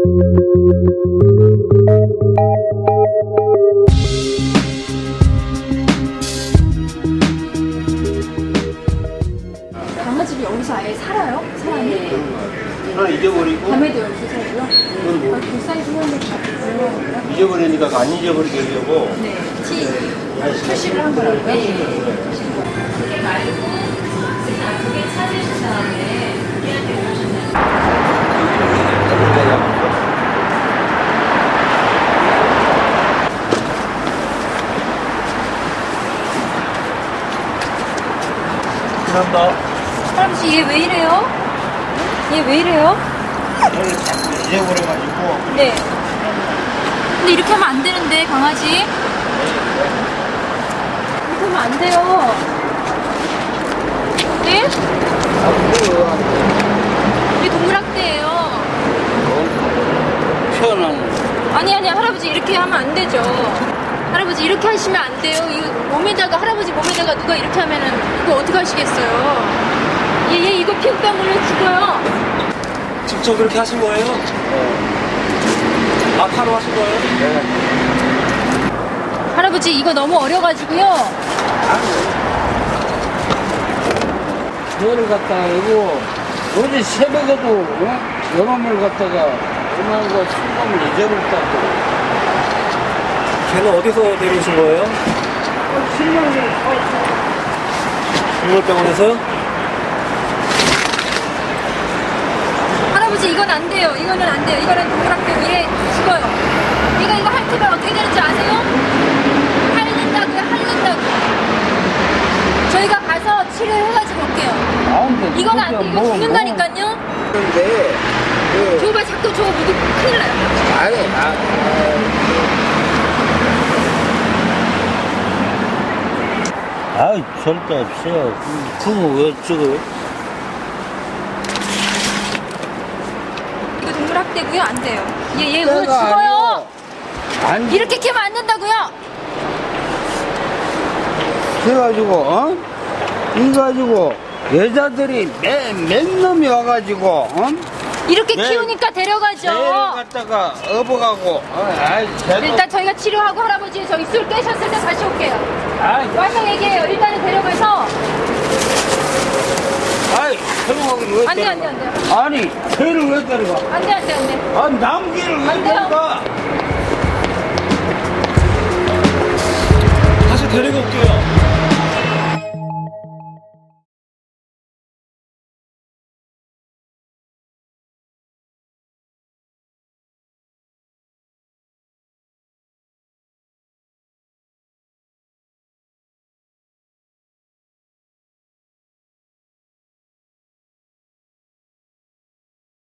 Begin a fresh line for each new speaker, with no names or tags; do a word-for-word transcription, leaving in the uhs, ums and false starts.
강아지를 여기서 아예 살아요? 사람이?
하나 잊어버리고
밤에도 여기서 살고요? 아, 그 사이즈 하는데 다 불러요?
잊어버리니까 안 잊어버리게 하려고
네, 티 표시를 한 거라고요? 네. 그게 말고 그게 찾으신 다음에 우리한테 오셨나요?
감사합니다.
할아버지 얘 왜 이래요? 얘 왜 이래요?
얘를 자꾸 잊어버려가지고
네. 근데 이렇게 하면 안 되는데 강아지 이렇게 하면 안 돼요. 네? 이게 동물학대예요.
편한
아니 아니 할아버지 이렇게 하면 안 되죠. 할아버지 이렇게 하시면 안 돼요. 이거 몸에다가 할아버지 몸에다가 누가 이렇게 하면은 이거 어떻게 하시겠어요? 얘, 얘 이거 피부병 걸려 죽어요.
직접 그렇게 하신 거예요? 네. 아파로 하신 거예요? 네.
할아버지 이거 너무 어려가지고요.
너를 갖다가 이거 어제 새벽에도 어? 영암을 갖다가 엄마하고 상담을 잊어버렸다고.
걔는 어디서 데려오신 거예요? 동물병원에서요?
할아버지 이건 안 돼요. 이거는 안 돼요. 이거는 동물학대 위에 죽어요. 얘가 이거 핥으면 어떻게 되는지 아세요? 핥는다고요. 핥는다고. 저희가 가서 치료를 해가지고 올게요.
아, 근데
이건 안 돼. 이거
뭐,
죽는다니까요.
근데 그
저거 봐. 자꾸 저거 묻으면 큰일 나요.
아니 아, 아, 아이 절대 없어요. 그거 왜 찍어요?
이거 동물학대고요. 안 돼요. 얘, 얘 오늘
내가
죽어요.
안
이렇게 캐면 안 된다고요.
그래가지고 어? 이가지고 여자들이 맨, 맨 놈이 와가지고 어?
이렇게
네.
키우니까 데려가죠.
개를 갖다가 업어가고 어, 아이 걔도
일단 저희가 치료하고 할아버지 저기 술 깨셨을 때 다시 올게요.
아이
와서 얘기해요. 일단은 데려가서.
아이 설명하기를 왜
안 돼,
때려가?
안 돼, 안 돼.
아니 개를 왜 때려가?
안 돼, 안 돼, 안 돼.
아 남기를 왜
안 돼요.
때려가?
다시 데리고 올게요.